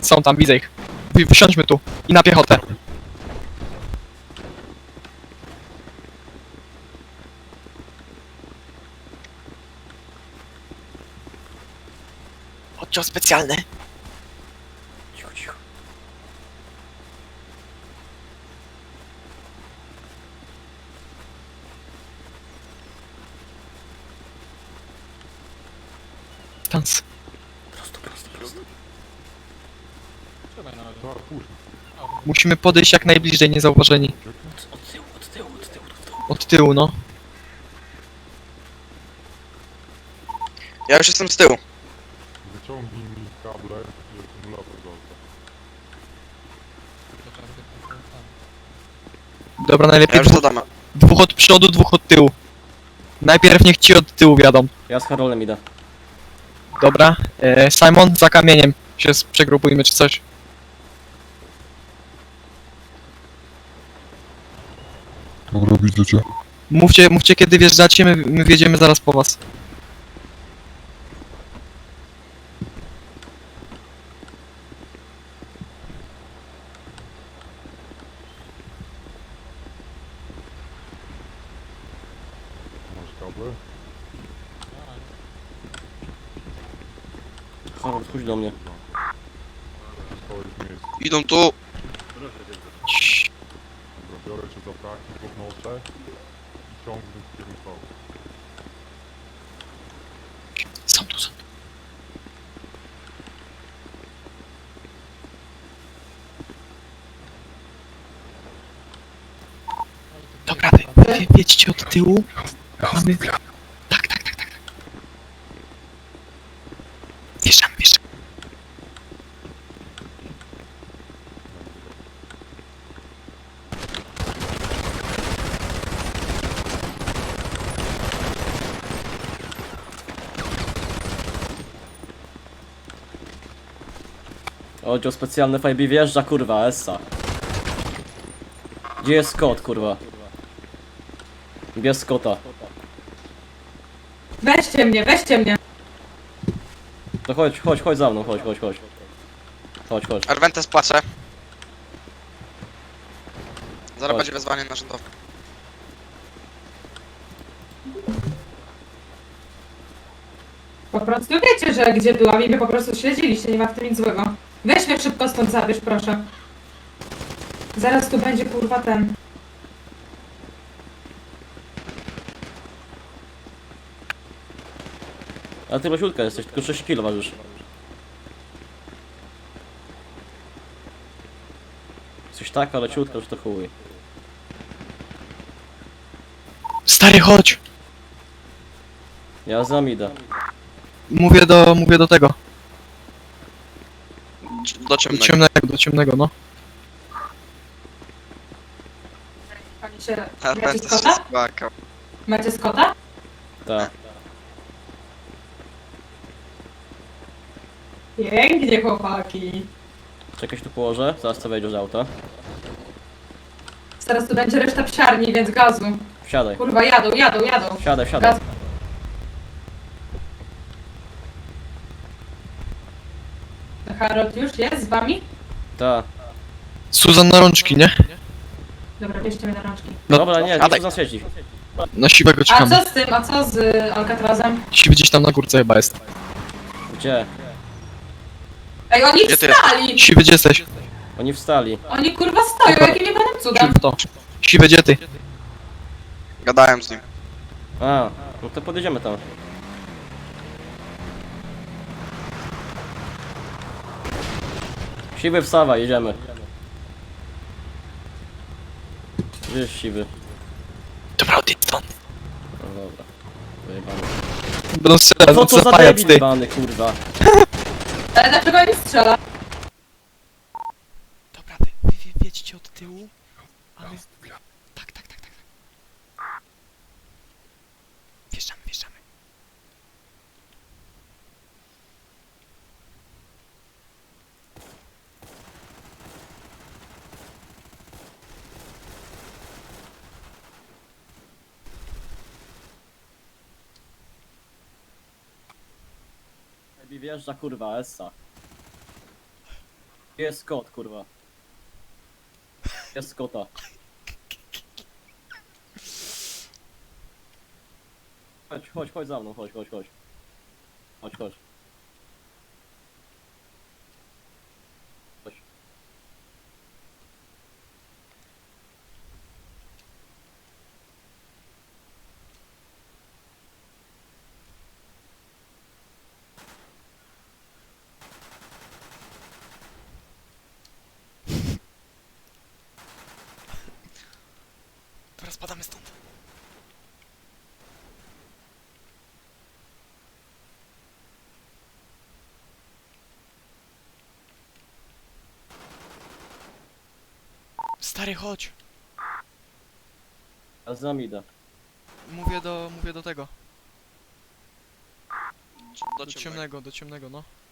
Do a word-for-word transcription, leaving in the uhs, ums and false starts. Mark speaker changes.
Speaker 1: Są tam, widzę ich. Wy- Wysiądźmy tu i na piechotę. Oddział specjalny.
Speaker 2: Cicho, cicho.
Speaker 1: Tans.
Speaker 2: Prosto, prosto, prosto.
Speaker 1: Musimy podejść jak najbliżej, niezauważeni.
Speaker 2: Od, od tyłu, od tyłu, od tyłu, od tyłu.
Speaker 1: Od tyłu, no.
Speaker 3: Ja już jestem z tyłu.
Speaker 4: Wyciągnij mi kable i akumulator do auta.
Speaker 1: Dobra,
Speaker 3: Ja
Speaker 1: najlepiej
Speaker 3: już
Speaker 1: dwóch,
Speaker 3: zadam.
Speaker 1: dwóch od przodu, dwóch od tyłu. Najpierw niech ci od tyłu wiadą.
Speaker 2: Ja z Harolem idę.
Speaker 1: Dobra. E, Simon, za kamieniem się s- przegrupujmy czy coś.
Speaker 4: Dobra, widzę cię.
Speaker 1: Mówcie, mówcie kiedy wjeżdżacie, my, my wjedziemy zaraz po was.
Speaker 4: Masz kable?
Speaker 2: Harol, chodź do mnie.
Speaker 4: Zostałeś w miejscu.
Speaker 3: Idą tu.
Speaker 1: Cii.
Speaker 4: Dobra, biorę cię za braki, podnoszę i ciągnę w kierunku auta.
Speaker 1: Są tu, są tu. Dobra, wy, wy wjedźcie od tyłu. Mamy... Tak, tak, tak, tak. tak. Wjeżdżamy, wjeżdżamy.
Speaker 2: Oddział specjalny F I B wjeżdża, kurwa, Essa. Gdzie jest Scott, kurwa? Bierz Scotta.
Speaker 5: Weźcie mnie, weźcie mnie.
Speaker 2: To chodź, chodź, chodź za mną, chodź, chodź, chodź. Chodź, chodź.
Speaker 3: Arwentes płacze. Zaraz
Speaker 2: Chodź.
Speaker 3: będzie wezwanie narządowe.
Speaker 5: Po prostu wiecie, że gdzie byłam i mnie po prostu śledziliście, nie ma w tym nic złego. Weź mnie szybko stąd zabierz, proszę. Zaraz tu będzie kurwa ten.
Speaker 2: Ale ty leciutka jesteś, tylko sześć kilo ważysz. Jesteś taka leciutka, że to chuj.
Speaker 1: Stary, chodź.
Speaker 2: Ja za nami idę.
Speaker 1: Mówię do, mówię do tego.
Speaker 3: C- Do
Speaker 1: Do
Speaker 3: ciemnego.
Speaker 1: ciemnego, do ciemnego, no.
Speaker 5: Pani się... Macie
Speaker 3: Arwentes się
Speaker 5: Scotta?
Speaker 3: spłakał.
Speaker 5: Macie Scotta?
Speaker 2: Tak.
Speaker 5: Pięknie, chłopaki.
Speaker 2: Czekaj, tu położę, zaraz co wejdziesz z auta.
Speaker 5: Zaraz tu będzie reszta psiarni, więc gazu.
Speaker 2: Wsiadaj,
Speaker 5: Kurwa, jadą, jadą, jadą.
Speaker 2: wsiadaj, wsiadaj.
Speaker 5: Gaz. Harold już jest z wami?
Speaker 2: Tak.
Speaker 1: Suzan na rączki, nie?
Speaker 5: Dobra, bierzcie mnie na rączki.
Speaker 1: No,
Speaker 2: Dobra, nie, nie
Speaker 3: siadaj.
Speaker 2: tu nas siedzi.
Speaker 1: na siwego
Speaker 5: A
Speaker 1: czekamy.
Speaker 5: co z tym, a co z y, Alcatrazem?
Speaker 1: Siwy gdzieś tam na górce chyba jest.
Speaker 2: Gdzie?
Speaker 5: Ej, oni
Speaker 3: Gdzie ty
Speaker 5: wstali!
Speaker 1: Siwy, gdzie jesteś?
Speaker 2: Oni wstali.
Speaker 5: Oni kurwa stoją,
Speaker 1: Dobra.
Speaker 5: jakim jebanym cudem.
Speaker 1: Siwy to. Siwy, gdzie ty?
Speaker 3: Gadałem z nim.
Speaker 2: A, no to podjedziemy tam. Siwy, wstawaj, jedziemy. Gdzie jest siwy?
Speaker 1: Dobra, odjedź stąd.
Speaker 2: No dobra. Wyjebany.
Speaker 1: Będą strzelać,
Speaker 2: Co
Speaker 1: będą
Speaker 2: to za
Speaker 1: zapajac,
Speaker 2: debil
Speaker 1: ty.
Speaker 2: jebany, kurwa?
Speaker 5: Ale dlaczego nie strzela?
Speaker 1: Dobra, wy, wy, wy wiedźcie od tyłu. A my... Tak, tak, tak, tak. Wjeżdżamy, wjeżdżamy.
Speaker 2: Wjeżdża kurwa, Essa. Jest kot, kurwa. Jest kota. Chodź, chodź, chodź za mną, chodź, chodź, chodź. Chodź, chodź. Chodź.
Speaker 1: Teraz spadamy stąd. Stary, chodź.
Speaker 2: A z nami idę.
Speaker 1: Mówię do, mówię do tego.
Speaker 3: Do
Speaker 1: Do ciemnego, do ciemnego, no.